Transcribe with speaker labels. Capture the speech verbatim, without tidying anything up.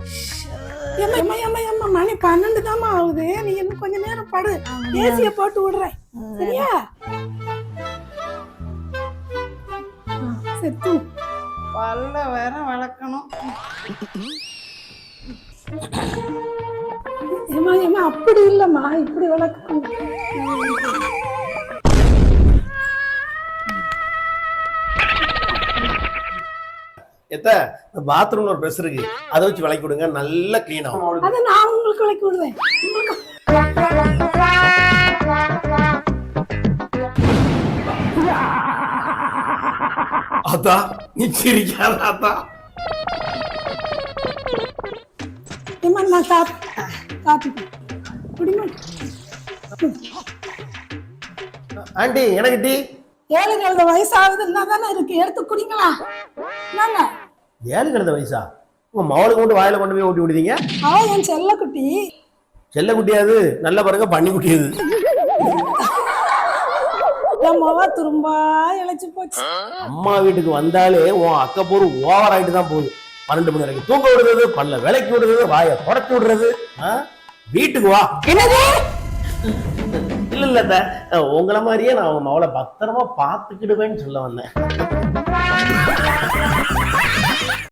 Speaker 1: ஏம்மா ஏம்மா ஏம்மா ஏம்மா மணி பன்னெண்டு தாம்மா ஆகுது. நீ இன்னும் கொஞ்ச நேரம் படு, ஏசிய போட்டு விடுறேன் சரியா? சரி தூ.
Speaker 2: பல்ல வேற வளர்க்கணும்.
Speaker 1: ஏம்மா ஏம்மா அப்படி இல்லைம்மா, இப்படி வளர்க்கணும்.
Speaker 3: எத்த பாத்ரூம்ல ஒரு பிரஷ் இருக்கு, அதை வச்சு விளக்கி விடுங்க, நல்லா கிளீன் ஆகும்.
Speaker 1: அதை நான் உங்களுக்கு விளக்கி விடுவேன்.
Speaker 3: அத்தா நீ சிரிக்காத அத்தா.
Speaker 1: ஏம்மா நான் காப்பி காப்பி குடிமா.
Speaker 3: ஆண்டி எனக்கு டீ.
Speaker 1: ஏழு கழுத வயசாகுது என்ன தானே இருக்கு, எடுத்து குடிங்களா? என்னங்க
Speaker 3: ஏழு கிடந்த வயசா? உங்க மவளுக்கு கொண்டு வாயில கொண்டு போய் ஊட்டி விடுதீங்க?
Speaker 1: அவ என் செல்ல குட்டி.
Speaker 3: செல்ல குட்டியாது, நல்ல பாருங்க பண்ணி குட்டியது.
Speaker 1: என் மவ துரும்பா இழைச்சு போச்சு.
Speaker 3: அம்மா வீட்டுக்கு வந்தாலே உன் அக்கப்போர் ஓவர் ஆயிட்டு தான் போகுது. பன்னெண்டு மணி வரைக்கும் தூங்க விடுறது, பல்ல விலைக்கு விடுறது, வாயை தொடச்சு விடுறது. வீட்டுக்கு வா.
Speaker 1: என்னது?
Speaker 3: இல்ல இல்ல, உங்களை மாதிரியே நான் உங்க மவளை பத்திரமா பாத்துக்கிடுவேன்னு சொல்ல வந்தேன்.